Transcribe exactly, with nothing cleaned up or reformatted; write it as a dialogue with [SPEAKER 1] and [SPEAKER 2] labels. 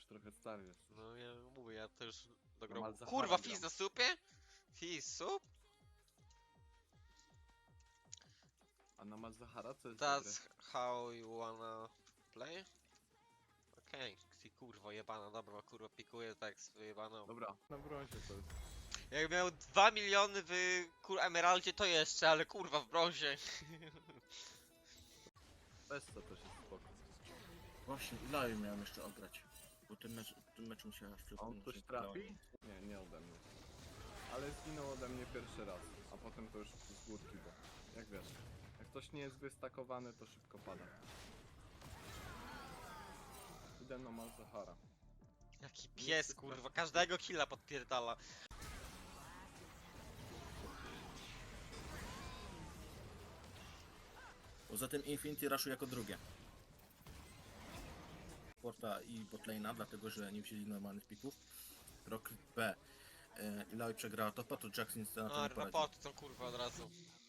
[SPEAKER 1] już trochę stary jest.
[SPEAKER 2] No ja mówię, ja też do
[SPEAKER 1] No,
[SPEAKER 2] grobu.
[SPEAKER 1] Malzahara
[SPEAKER 2] Kurwa,
[SPEAKER 1] gram.
[SPEAKER 2] Fizz na supie? Fizz, sup?
[SPEAKER 1] A na Malzahara co jest dobre?
[SPEAKER 2] That's how you wanna play? Okej, okay. Kurwa jebana, dobra, kurwa pikuje tak z wyjebaną.
[SPEAKER 1] Dobra, na brązie to jest.
[SPEAKER 2] Jak miał dwa miliony w kur emeraldzie to jeszcze, ale kurwa w brązie.
[SPEAKER 1] Bez co też jest spoko.
[SPEAKER 3] Właśnie, Ilaju miałem jeszcze ograć. Bo ten mecz, ten mecz mi się aż
[SPEAKER 1] A
[SPEAKER 3] przypomniał.
[SPEAKER 1] on coś trafi? Nie, nie ode mnie. Ale zginął ode mnie pierwszy raz, a potem to już z górki, bo jak wiesz, jak ktoś nie jest wystakowany, to szybko pada. Idę na Malzahara.
[SPEAKER 2] Jaki pies kurwa, każdego killa podpierdala.
[SPEAKER 3] Poza tym Infinity Rushu jako drugie. Porta i botlane'a, dlatego że nie wzięli normalnych pików. Rocket B. E, Ilaju przegrała topa, to Jackson nic na to
[SPEAKER 2] A,
[SPEAKER 3] nie
[SPEAKER 2] dwa
[SPEAKER 3] poradzi.
[SPEAKER 2] poty to kurwa od razu.